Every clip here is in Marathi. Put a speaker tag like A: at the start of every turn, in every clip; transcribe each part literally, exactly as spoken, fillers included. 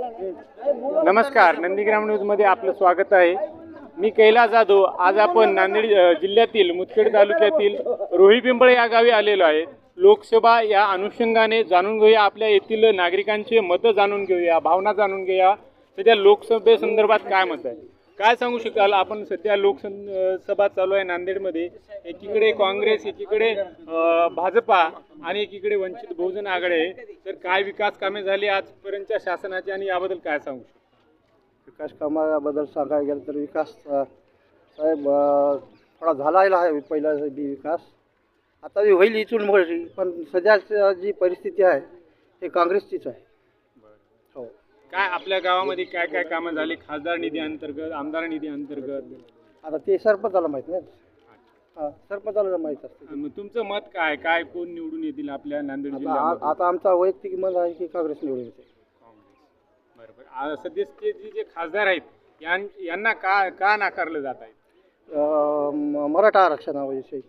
A: नमस्कार, नंदीग्राम न्यूजमध्ये आपलं स्वागत आहे. मी कैलास जाधव. आज आपण नांदेड अ, जिल्ह्यातील मुदखेड तालुक्यातील रोहिपिंपळ या गावी आलेलो आहे. लोकसभा या अनुषंगाने जाणून घेऊया, आपल्या येथील नागरिकांचे मतं जाणून घेऊया, भावना जाणून घेऊया. सध्या लोकसभेसंदर्भात काय मत आहे, काय सांगू शकाल आपण? सध्या लोकसभा चालू आहे नांदेडमध्ये. एकीकडे काँग्रेस, एकीकडे अ, भाजपा आणि एकीकडे वंचित बहुजन आघाडी आहे. तर काय विकास कामे झाली आजपर्यंतच्या शासनाची आणि याबद्दल काय सांगू शकता?
B: विकास कामाबद्दल सांगायला गेलं तर विकास अ, साहेब अ, थोडा झालेला आहे पहिला बी विकास. आता बी होईल इथून मोठी, पण सध्याची जी परिस्थिती आहे ते काँग्रेसचीच आहे. हो.
A: काय आपल्या गावामध्ये काय काय कामं झाली खासदार निधी अंतर्गत, आमदार निधी अंतर्गत?
B: आता ते सरपंचाला माहीत नाही. हां, सरपंचाला माहीत असते.
A: मग तुमचं मत काय काय कोण निवडून येतील आपल्या नांदेड
B: आता
A: जिल्ह्यामध्ये?
B: आता आमचा वैयक्तिक मत आहे की काँग्रेस निवडून येते.
A: बरोबर. आ- सध्याचे जे जे खासदार आहेत यां- यांना का का नाकारलं जात आहे?
B: अ, म- मराठा आरक्षणाविषयी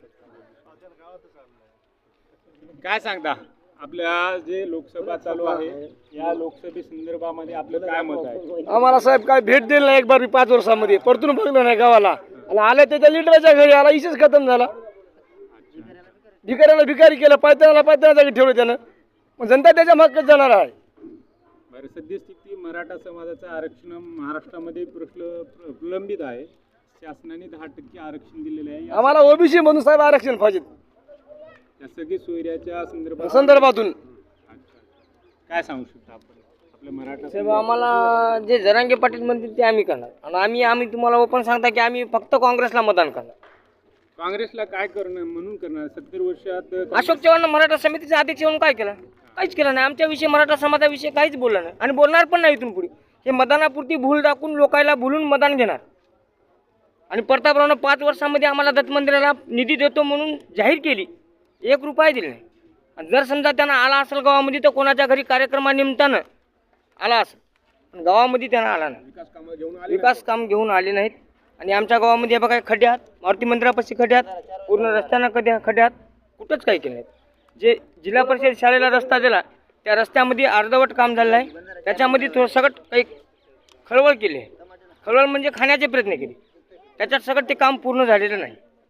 A: काय सांगता? आपल्या जे लोकसभा चालू आहे या लोकसभे संदर्भामध्ये आपलं काय मत आहे?
B: आम्हाला साहेब काय भेट दिली नाही एक बार पाच वर्षामध्ये, परतून बघलं नाही गावाला. आणि आले त्याच्या लिडराच्या घरी आला, इशेच खतम झाला. भिकाऱ्याला भिकारी केलं, पायत्याला पायत्याला जागी ठेवलं त्यानं. मग जनता त्याच्या मागच जाणार आहे.
A: बरं, सद्यस्थिती मराठा समाजाचं आरक्षण महाराष्ट्रामध्ये प्रश्न प्र- प्रलंबित आहे. शासनाने दहा टक्के आरक्षण दिलेले आहे. या-
B: आम्हाला ओबीसी म्हणून साहेब आरक्षण पाहिजे
A: या सगळी सोयऱ्याच्या संदर्भात
B: संदर्भातून.
A: अच्छा. काय सांगू शकता आपण आपल्या मराठा
C: साहेब, आम्हाला जे जरांगे पाटील म्हणतील ते आम्ही करणार. आणि आम्ही आम्ही तुम्हाला ओपन सांगता की आम्ही फक्त काँग्रेसला मतदान करणार.
A: काँग्रेसला काय करणार म्हणून करणार? सत्तर वर्षात
C: अशोक चव्हाण मराठा समितीचे अध्यक्ष म्हणून काय केलं? काहीच केलं नाही. आमच्याविषयी मराठा समाजाविषयी काहीच बोललं नाही आणि बोलणार पण नाही इथून पुढे. हे मतदानापुरती भूल दाखवून लोकायला भुलून मतदान घेणार. आणि प्रतापरावनं पाच वर्षामध्ये आम्हाला दत्त मंदिराला निधी देतो म्हणून जाहीर केली, एक रुपया दिले नाही. आणि जर समजा त्यांना आला असेल गावामध्ये तर कोणाच्या घरी कार्यक्रमानिमित्तानं आला असेल, पण गावामध्ये त्यांना आला नाही.
A: विकास कामं घेऊन आले
C: विकास काम घेऊन आले नाहीत. आणि आमच्या गावामध्ये बघा खड्डे आहात, मारुती मंदिरापाशी खड्डे आहात, पूर्ण रस्त्यानं कधी खड्डे आहात, कुठंच काही केलं नाहीत. जे जिल्हा परिषद शाळेला रस्ता दिला त्या रस्त्यामध्ये अर्धवट काम झालेलं आहे. त्याच्यामध्ये थोडं सगळं काही खळवळ केली आहे. खळवळ म्हणजे खाण्याचे प्रयत्न केले, त्याच्यात सगळं ते काम पूर्ण झालेलं नाही.